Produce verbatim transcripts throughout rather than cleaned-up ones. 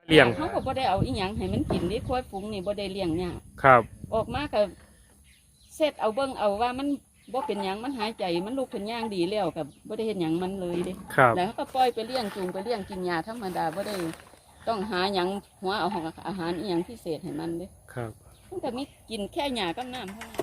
เลี้ยงเขาก็บ่ได้เอาอีหยังให้มันกินดิควายฝูงนี่บ่ได้เลี้ยงหยังครับออกมาก็เสร็จเอาเบิ่งเอาว่ามันบ่เป็นหยังมันหายใจมันลุกขึ้นย่างดีแล้วก็บ่ได้เฮ็ดหยังมันเลยเด้แล้วก็ปล่อยไปเลี้ยงจูงไปเลี้ยงกินยาธรรมดาบ่ได้ต้องหาหยังหัวเอาของอาหารอีหยังพิเศษให้มันเด้ครับมันก็มีกินแค่หญ้ากับน้ำเท่านั้น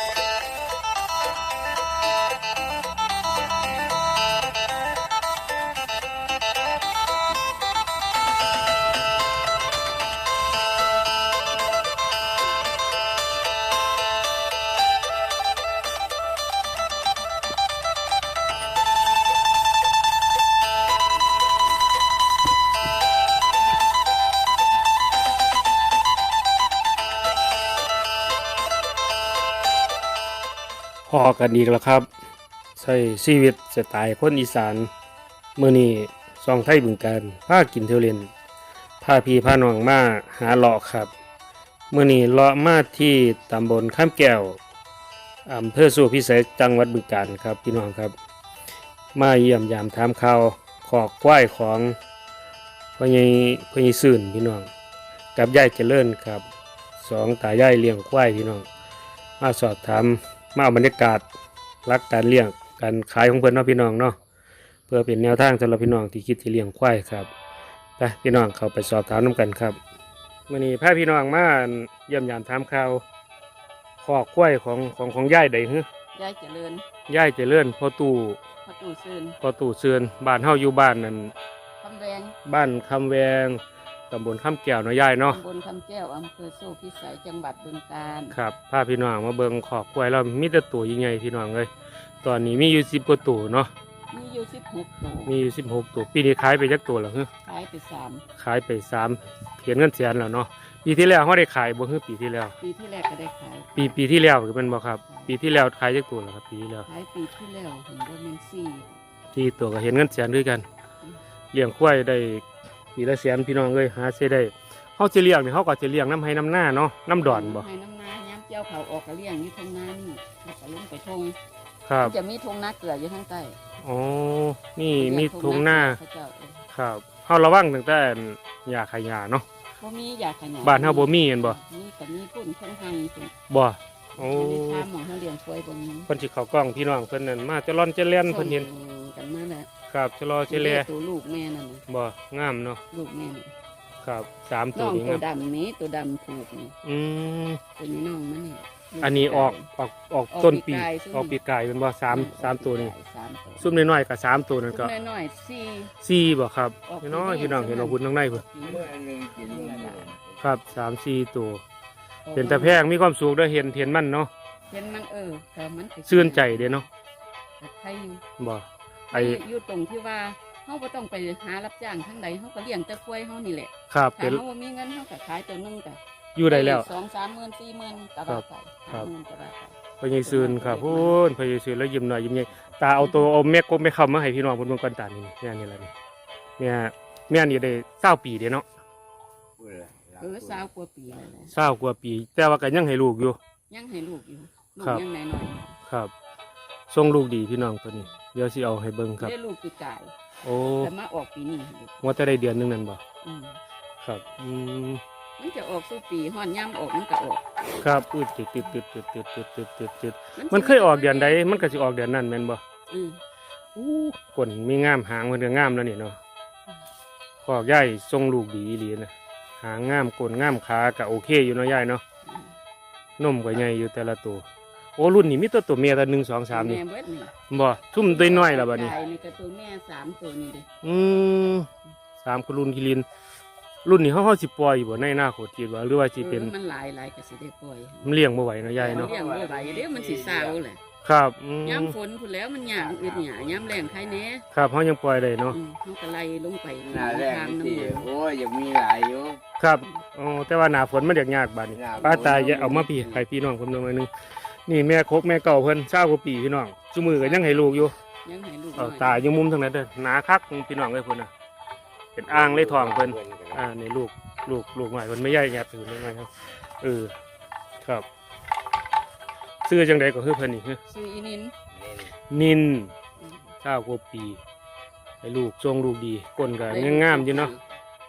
พอกันอีกแล้วครับใช้ชีวิตสไตล์คนอีสานมื้อนี้ซองไทยบึงการพากินเที่ยวเล่นพาพี่พาน้องมาหาเลาะครับมื้อนี้เลาะมาที่ตำบลข้ามแก้วอำเภอสุพิสัยจังหวัดบึงกาฬครับพี่น้องครับมาเยี่ยมยามถามข่าวขอกควายของพ่อใหญ่พ่อใหญ่ซื่นพี่น้องกับยายเจริญครับสองตายายเลี้ยงควายพี่น้องมาสอบถามมาเอาบรรยากาศรักการเลี้ยงการขายของเพื่อนเนาะพี่น้องเนาะเพื่อเป็นแนวทางสำหรับพี่น้องที่คิดที่เลี้ยงควายครับไปพี่น้องเขาไปสอบถามน้ำกันครับวันนี้พาพี่น้องมาเยี่ยมยามถามข่าวขอกควายของของของย่ายใดฮึยายเจริญย่ายเจริญพ่อตู่พ่อตู่เชิญพ่อตู่เชิญบ้านเฮาอยู่บ้านนั่นคำแวงบ้านคำแวงตำบลข้ามแก้วเนาะย่ายเนาะตำบลคำแก้วอำเภอโซ่พิสัยจังหวัดบึงกาฬครับพาพี่น้องมาเบิ่งขอกควายเรามีแต่ตัวใหญ่ๆพี่น้องเลยตอนนี้มีอยู่สิบกว่าตัวเนาะมีอยู่สิบหกตัวมีอยู่สิบหกตัวปีนี้ขายไปจักตัวแล้วฮึขายไปสามขายไปสามเขียนเงินแสนแล้วเนาะปีที่แล้วเขาได้ขายบ่ฮึปีที่แล้วปีที่แรกก็ได้ขายปีปีที่แล้วคือเป็นบ่ครับปีที่แล้วขายจักตัวแล้วครับปีที่แล้วขายปีที่แล้วเห็นว่ามันสี่ที่ตัวก็เห็นเงินแสนด้วยกันเลี้ยงควายได้ปีละแสนพี่น้องเลยหาเสียได้เขาจะเลี้ยงเนี่ยเขาก็จะเลี้ยงน้ำให้น้ำหน้าเนาะน้ำดอนบ่ให้น้ำนาย้ำเจ้าเขาออกก็เลี้ยงอยู่ทงนานี่แล้วก็ลงไปทงครับจะมีทงนาเกลืออยู่ข้างใต้อ๋อนี่มีทงหน้าครับเขาระวังตั้งแต่ยาขายาเนาะบ่มียาขยายบ้านเฮาบ่มีเห็นบ่มีแต่มีปุ่นข้างไห้บ่โอ้ทำหมองเขาเลี้ยงควายบ่มีเพิ่นสิเข้ากล้องพี่น้องเพิ่นนั่นมาจะร่อนจะเล่นเพิ่นเห็นกันมาแล้วครับจะรอจะเล่ตัวลูกแม่นั่นบ่งามเนาะลูกแม่ครับสามตัวนี้ตัวดำนี้ตัวดำผูกนี่อืมตัวนี้น้องมันนี่อันนี้ออกออกออกต้นปีออกปีกายเป็นบ่สามสามตัวนี้ซุ่มน้อยๆกับสามตัวนั่นก็น้อยๆสี่สี่บ่ครับน้อยพี่น้องเห็นเอาหุ่นข้างในเพิ่นครับสามสี่ตัวเป็นตะแพงมีความสูงด้วยเห็นเห็นมันเนาะเห็นมันเออแต่มันซื่นใจเด้เนาะใครอยู่บ่ไออยู่ตรงที่ว่าเขาบ่ต้องไปหารับจ้างทั้งใดเขาก็เลี้ยงแต่ควายเขานี่แหละครับถ้าเขาบ่มีเงินเขาก็ขายตัวนึงก็อยู่ได้แล้วสองสามหมื่นสี่หมื่นกระบาดไปครับพญายซืนครับพูนพญายซืนแล้วยิ้มหน่อยยิ้มใหญ่ตาเอาตัวเอาแม่กบแม่คำมาให้พี่น้องบนบนกันตานี่แม่นี่แหละนี่แม่แม่นี่ได้เศร้าปีเดียวเนาะเออเศร้ากว่าปีเลยเศร้ากว่าปีแต่ว่าก็ยังให้ลูกอยู่ยังให้ลูกอยู่ลูกยังน้อยครับทรงลูกดีพี่น้องตัวนี้เดี๋ยวสิเอาให้เบิ่งครับได้ลูกปีกายโอ้แต่มาออกปีนี้ว่าจะได้เดือนนึงนั่นบ่ครับอืมมันจะออกสู้ปีห่อนย่ำออกมันก็ออกครับอืดติดติดติดติดติดติดติดติดติดมันเคยออกเดือนใดมันก็สิออกเดือนนั้นแม่นบ่อืออู้ก้นมีงามหางมันก็งามแล้วนี่เนาะขอกใหญ่ทรงลูกดีอีหลีนะหางงามก้นงามขาก็โอเคอยู่เนาะใหญ่เนาะนมก็ใหญ่อยู่แต่ละตัวโอ้รุ่นนี้มีตัวตัวเมียตัวหนึ่งสองสามนี่บ่ทุ่มตัวน้อยแล้วบัดนี้นี่ก็ตัวแม่สามตัวนี่เด้อืมสามกรุ่นกิลินรุ่นนี้เขาเขาสิปล่อยอยู่บ่ในหน้าโคตรคิดว่าหรือว่าสิเป็นมันหลายหลายก็สิได้ปล่อยมันเลี้ยงบ่ไหวเนาะยายเนาะเลี้ยงบ่ไหวเดี๋ยวมันสิเศร้าแหละครับย้ำฝนพุ่นแล้วมันหยางอึดหยาย้ำแรงใครแน่ครับเขายังปล่อยได้เนาะเขาก็ไล่ลงไปหน้าแรงนี่โอ้ยยังมีหลายอยู่ครับอ๋อแต่ว่าหน้าฝนมันยากๆบัดนี้ป้าตายเอามาพี่ให้พี่น้องผมนึงหน่อยนึงนี่แม่คกแม่เก่าเพิ่นเศร้ากว่าปีพี่น้องซุมือก็ยังให้ลูกอยู่ยังให้ลูกเอาตายังมุมทางนั้นเด้อหนาคักพี่น้องเอ้ยเพิ่นน่ะเป็นอ่างเลยท้องเพิ่นอ่าในลูกลูกลูกใหม่เพิ่นไม่ใหญ่แงบถือได้ไงครับเออครับซื้อจังใดก็คือเพิ่นนี่คือซื้ออีนินนินเศร้ากว่าปีให้ลูกทรงลูกดีก้นก็งามๆอยู่เนาะ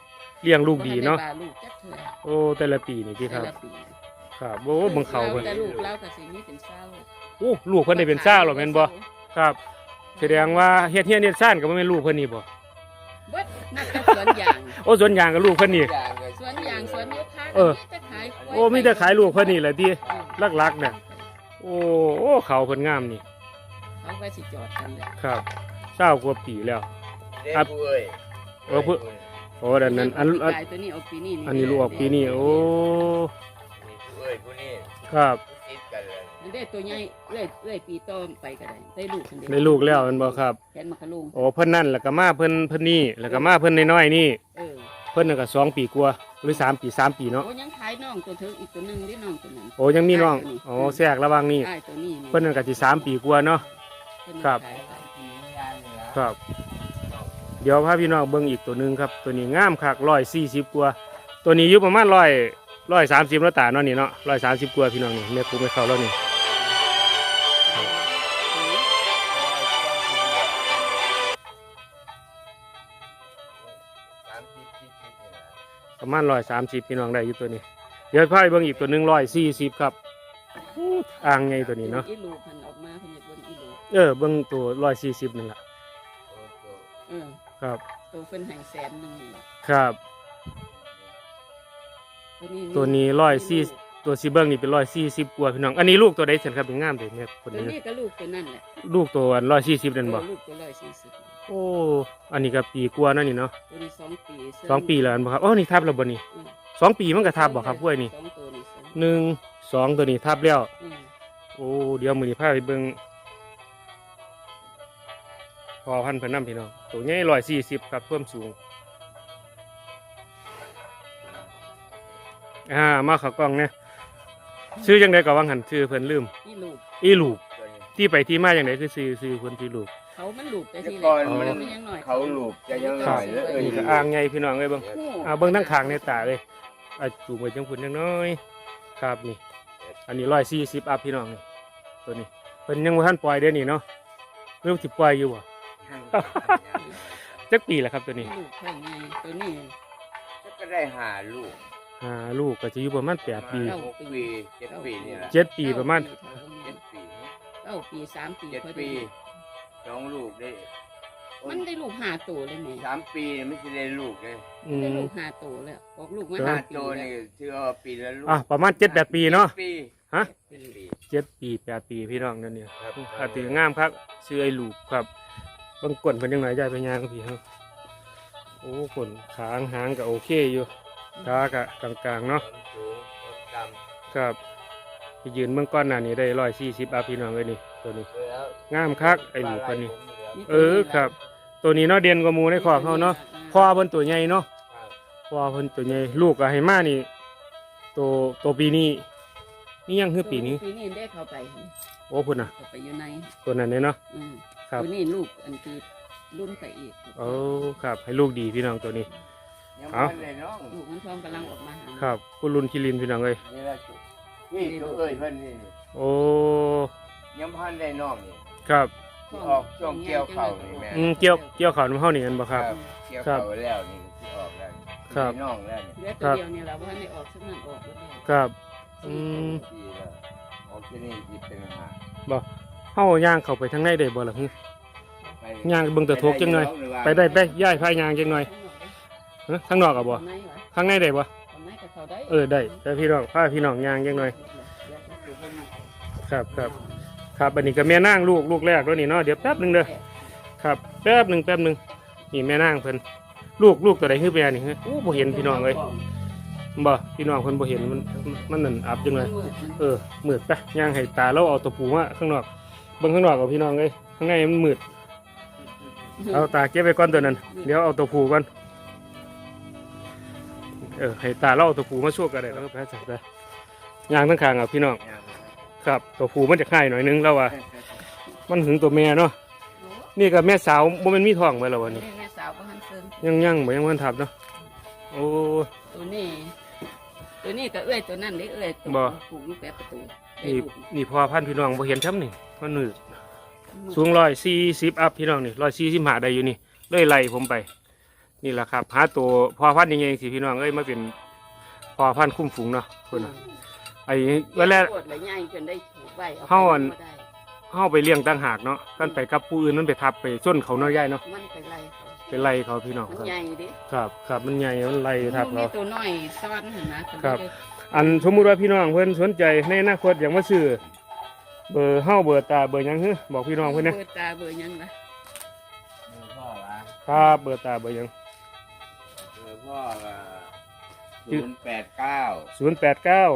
เลี้ยงลูกดีเนาะบ่ทัได้บลูกจักเทื่อโอ้แต่ละปีนี่ที่ครับแต่ละปีครับโอ้เบิ่งเขาเพิ่นแต่ลูกเราก็สิมีเป็นเศร้าโอ้ลูกเพิ่นได้เป็นซ่าหรอแม่นบ่ครับ แสดงว่าเฮ็ดเฮียนเฮ็ดซ่านก็บ่แม่นลูกเพิ่นนี่บ่เบิดนักแต่สวนยางโอ้สวนยางกับลูกเพิ่นนี่อย่างก็สวนยางสวนยูคาเออมีแต่ขายกล้วยโอ้มีแต่ขายลูกเพิ่นนี่แหละติเออลักๆเนี่ย โอ้โอ้เขาเพิ่นงามนี่เขาก็สิจอดกันแหละครับเศร้ากว่าปีแล้วเด็กครับผู้เอ้ยเออผู้ โอ้ดันนั้นอันอันขายตัวนี้เอาปีนี้อันนี้ลูกออกปีนี้โอ้นี่ผู้เอ้ยผู้นี้ครับผู้ติดกันเลยมันได้ตัวใหญ่เอื้อยเอื้อยปีโตอไปก็ได้ได้ลูกคนเดียวได้ลูกแล้วแมันบ่ครับแขนมะขลุงโอ้เพิ่นนั่นแล้วก็มาเพิ่นเพิ่นนี่แล้วก็มาเพิ่นน้อยๆนี่เออเพิ่นน่ะก็สองปีกว่าหรือสามปีสามปีเนาะโอ้ยังขายน้องตัวเธออีกตัวหนึงที่น้องตัวนั้นโอ้ยังมีน้องขายตัวนี้โอ้แทรกระหว่างนี้ขายตัวนี้เพิ่นนั่นก็สิสามปีกว่าเนาะเพิ่นครับขายไปมีงานเหนือครับ เดี๋ยวพาพี่น้องเบิ่งอีกตัวหนึงครับ ตัวนี้งามคักร้อยสี่สิบกว่า ตัวนี้อยู่ประมาณร้อยร้อยสามสิบแล้วตาเนาะนี่เนาะร้อยสามสิบกว่าพี่น้องนี่แม่ครูไม่เข้าแล้วนี่สามสิบสี่สิบนี่นะประมาณร้อยสามสิบพี่น้องได้อยู่ตัวนี้ เดี๋ยวพาไปเบิ่งอีกตัวหนึงร้อยสี่สิบครับอู้อ่างไงตัวนี้เนาะอีลูกเพิ่นออกมาเพิ่นอยากเบิ่งอีลูกเออเบิ่งตัวร้อยสี่สิบนั่นแหละโอ้โหเออครับตัวเพิ่นให้แสนหนึงนี่ล่ะครับตัวนี้ตัวนี้ร้อยสี่ตัวซีเบิ้งนี่เป็นร้อยสี่สิบกว่าพี่น้อง อันนี้ลูกตัวใดเสร็จครับเป็นงามเลยเนี่ยคนตัวนี้นี้ก็ลูกตัวนั่นแหละลูกตัวร้อยสี่สิบนั่นบ่เออลูกตัวร้อยสี่สิบโอ้ อันนี้ก็ปีกว่านั่นนี่เนาะตัวนี้สองปีเมสองปีแล้วอันบ่ครับอ๋อนี่ทับแล้วบ่นี่อืมสองปีมันก็ทับบ่ครับกล้วยนี่สองตัวนี่สองหนึ่งสองตัวนี้ทับแล้วอืมโอ้เดี๋ยวมื้อนี้พาไปเบิ่งพอพันธุ์เพิ่นนำพี่น้องตัวใหญ่ร้อยสี่สิบครับเพิ่มสูงอ่ามาเข้ากล้องเนี่ยชื่อจังไดก็ว่าหันชื่อเพิ่นลืมอีลูกอีลูกตัวนี้ที่ไปที่มาอย่างไรคือซื้อซื้อคนที่ลูกเขามันลูกไปแต่ที่ก่อนแรมันมันยังหน่อยเขาลูกจะยังหน่อยแล้วเอ้ยนี่ก็อ่างไงพี่น้องเอ้ยเบิ่งโอ้อ่าเบิ่งทั้งขางในตาเลยอ่ะจูงไปจังพุ่นจังน้อยครับนี่ อันนี้ร้อยสี่สิบอัพพี่น้องนี่ตัวนี้เพิ่นยังบ่ทันปล่อยเด้อนี่เนาะเริ่มสิปล่อยอยู่บ่จักปีแล้วครับตัวนี้ลูกข้างในตัวนี้ก็ได้หาลูกอ่าลูกก็จะอยู่ประมาณแปดปีหกปีเจ็ดปีนี่แหละเจ็ดปีประมาณเจ็ดปีเก้าปีสามปีเจ็ดพอปีดีสองลูกได้มันได้ลูกห้าตัวเลยแม่สามปีไม่ใช่ได้ลูกเลยอืได้มลูกห้าตัวแล้วออกลูกมาห้าห้าปีตัวแล้นี่วถือว่าปีละลูกอ่ะประมาณเจ็ดแปดปีเนาะปีฮะเจ็ดปีเจ็ดปีแปดปีพี่น้องนั่นเนี่ยครับอาถืองามครับซื้อไอ้ลูกครับเบางกวนเพิ่นยังไงย้ายไปย่างพี่เฮาโอ้ขนขางหางก็โอเคอยู่ตากะกลางๆเนาะต้นสูงต้นดครับไปยืนเมื่อก้อนหน้านี้ได้ร้อยสี่สิบอาพี่น้องเลยนี่ตัวนี้ำแล้วงามคักไอ้ลูกคนนี้นี่เออครับ ตัวนี้เนาะเด่นกว่าหมูในคอกเขาเนาะพ่อเพิ่นตัวใหญ่เนาะครับพ่อเพิ่นตัวใหญ่ลูกก็ให้มานี่ตัวตัวปีนี้นี่ยังคือปีนี้ปีนี้ได้เข้าไปโอ้พุ่นน่ะเข้าไปอยู่ในตัวนั้นเนี่ยเนาะอืมครับตัวนี้ลูกอันที่รุ่นไปอีกโอ้ครับให้ลูกดีพี่น้องตัวนี้ยังเอ้าพันเลยน้องลูกมันพร้อมกำลังออกมาหาครับคุณลุนคิรินพี่น้องเอ้ยนี่แหละนี่ตัวเอ้ยเพิ่นนี่นี่โอ้ยังพันได้น้องนี่ครับที่ออกช่วงเกี่ยวเข่านี่แม่อืมเกี่ยวเกี่ยวขาวน้ำเฮานี่กันบ่ครับเกี่ยวเข่าแล้วนี่ที่ออกแล้วนี่ครับได้น้องแล้วนี่เหลือตัวเดียวเนี่ยแหละว่าให้ออกสักนั่นออกแล้วเนี่ยครับอืมดีแล้วออกที่นี่จิเป็นอาหารบ่เฮาย่างเข้าไปทางในได้บ่ล่ะฮึไปย่างเบิ่งตะทกจังหน่อยไปได้ไปย้ายพายย่างจังหน่อยฮะข้างนอกอ่ะบ่ทำไมวะข้างในได้บ่ทำไมกับเขาได้เออได้แต่พี่น้องพาพี่น้องย่างจังหน่อยครับครับครับอันนี้ก็แม่นางลูกลูกแรกแล้วนี่เนาะเดี๋ยวแป๊บหนึงเด้อครับแป๊บหนึงแป๊บหนึงนี่แม่นางเพิ่นลูกลูกตัวใดคือแม่นี่ฮะโอ้บ่เห็นพี่น้องเอ้ยบ่พี่น้องเพิ่นบ่เห็นมันมันนั่นอับจังเลย เออมืดไปย่างให้ตาเราเอาตัวปูมาข้างนอกเบิ่งข้างนอกกับพี่น้องเลยข้างในมันมืดเอาตาเก็บไว้ก่อนตัวนั้นเดี๋ยวเอาตัวปูก่อนเออให้ตาเราเอาตัวปูมาช่วยกันได้แล้วก็แพ้จับได้ย่างทั้งคางอ่ะพี่น้องครับตัวปูมันจะค่ายหน่อยนึงแล้วว่ามันถึงตัวแม่เนาะนี่กับแม่สาวบ่แมันมีท้องไว้แล้ววันนี้แม่สาวก็หันเซิงยังยังบ่ยังมันทับเนาะโอ้ตัวนี้ ตัวนี้ก็เอื้อยตัวนั่นได้เอื้อยตัวบ่ผูกอยู่แปะประตูได้นี่ลูกนี่พอพันธุ์พี่น้องบ่เห็นช้ำนี่มันมืด สูงร้อยสี่สิบอัพพี่น้องนี่ร้อยสี่สิบหาได้อยู่นี่เลยไล่ผมไปนี่แหละครับหาตัวพอพันธุ์ยังไงสิพี่น้องเอ้ยมาเป็นพอพันธุ์คุ้มฝูงเนาะคนน่ะไอ้เวลาปวดและใหญ่จนได้ถูกใบเอาเฮาอันไปได้เฮาไปเลี้ยงต่างหากเนาะกันไปกับผู้อื่นมันไปทับไปส้นเขาเนาะยายเนาะมันไปไล่เขาไปไล่เขาพี่น้องมันครับใหญ่ดิครับครับมันใหญ่มันไล่ทับมีเราตัวน้อยซ้อนเห็นนะครับ อันสมมุติว่าพี่น้องเพิ่นสนใจในอนาคตอยากมาซื้อเบอร์เฮาเบอร์ตาเบอร์หยังฮึบอกพี่น้องเพิ่นนะเบอร์ตาเบอร์หยังล่ะเบอร์พ่อวะครับเบอร์ตาเบอร์หยังเบอร์พ่อก็ศูนย์แปดเก้าศูนย์แปดเก้า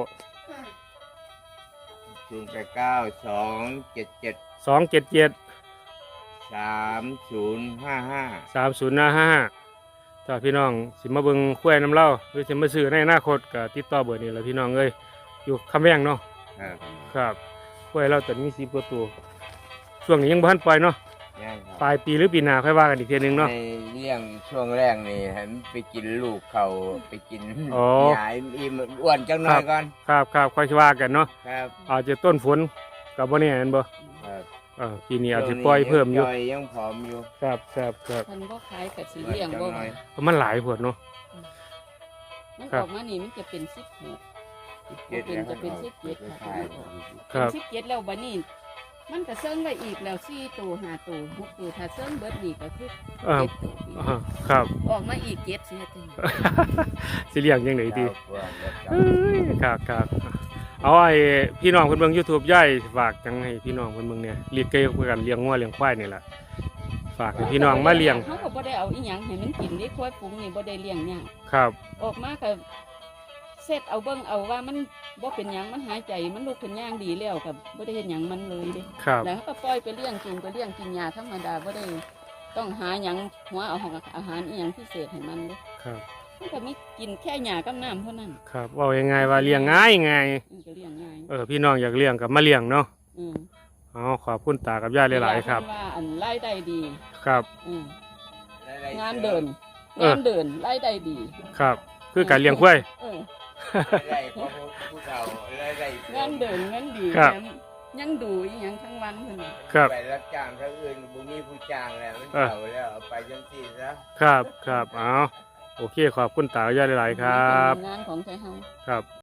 ศูนย์แปดเก้าสองเจ็ดเจ็ดสองเจ็ดเจ็ดสามศูนย์ห้าห้าสามศูนย์ห้าถ้าพี่น้องสิมาเบิ่งคุ้ยน้ำเล่าหรือสิมาซื้อในอนาคตก็ติดต่อเบอร์นี้แหละพี่น้องเอ้ยอยู่คำแวงเนาะครับครับคุ้ยเราตอนนี้สิบกว่าตัวช่วงนี้ยังบ่ทันปล่อยเนาะยังคปรับลายปีหรือปีหน้าค่อยว่ากันอีกเทีนึงเนาะในเรื่องช่วงแรกนี่ให้มันไปกินลูกเขาไปกินอ๋อหยายอิ่มอ้วนจังหน่อยก่อนครับครับค่อยว่ากันเนาะครับอาจจะต้นฝนกับบ่แน่แม่นบ่ครับอ่าปีนี้อาจจะปล่อยเพิ่มอยู่จอยยังผอมอยู่ครับครับครับมันบ่ขายกับสีเลี้ยงบ่จังหน่อยเพราะมันหลายพวดเนาะมันครัอบ อกมานี่มันจะเป็นสิบหกเจ็ดแล้วจะเป็นสิบเจ็ดขายครับสิบเจ็ดแล้วบัดนี้มันก็เซิงไว้อีกแล้วสี่ตัวห้าตัวหกตัวถ้าเซิงเบิดนี่ก็คืออ่าเจ็ดตัวอีกอ่าครับออกมาอีกเจ็ดสิเฮ็ดจังได๋สิเลี้ยงจังไดดีเจ้าเพื่อนแล้วจ้ะเอ้ยครับครับเอาไอ้พี่น้องเพิ่นเบิ่ง YouTube ย่ายฝากจังให้พี่น้องเพิ่นเบิ่งเนี่ยเลี้ยงไก่คือกันเลี้ยงงัวเลี้ยงควายนี่ล่ะฝากให้พี่น้องมาเลี้ยงเขาก็บ่ได้เอาอีหยังให้มันกินนี่ควายฝูงนี่บ่ได้เลี้ยงหยังครับออกมาก็เสร็จเอาเบิ่งเอาว่ามันบ่เป็นหยังมันหายใจมันลุกขึ้นย่างดีแล้วก็บ่ได้เฮ็ดหยังมันเลยเด้ครับแล้วเขาก็ปล่อยไปเลี้ยงจูงไปเลี้ยงกินยาธรรมดาบ่ได้ต้องหาหยังหัวเอาของอาหารอีหยังพิเศษให้มันเด้ครับมันก็มีกินแค่หญ้ากับน้ำเท่านั้นครับเว้ายังไงว่าเลี้ยงง่ายง่ายมันก็เลี้ยงง่ายเออพี่น้องอยากเลี้ยงก็มาเลี้ยงเนาะอืมเอาขอบคุณตากับย่าหลายๆครับเวลาเพิ่นว่าอันรายได้ดีครับอืมได้งานเดินเอองานเดินรายได้ดีครับ คือการเลี้ยงควายเออได้เพราะผู้เฒ่าได้ได้งานเดินเงินดีครับแถมยังดูอีหยังทั้งวันเพิ่นน่ะครับไปรับจ้างทั้งอื่นบุมีผู้จ้างแล้วมันเออเฒ่าแล้วเอาไปจังซี่ซะครับครับเอาโอเคขอบคุณตากับย่าหลายๆครับงานของไทยเฮาครับ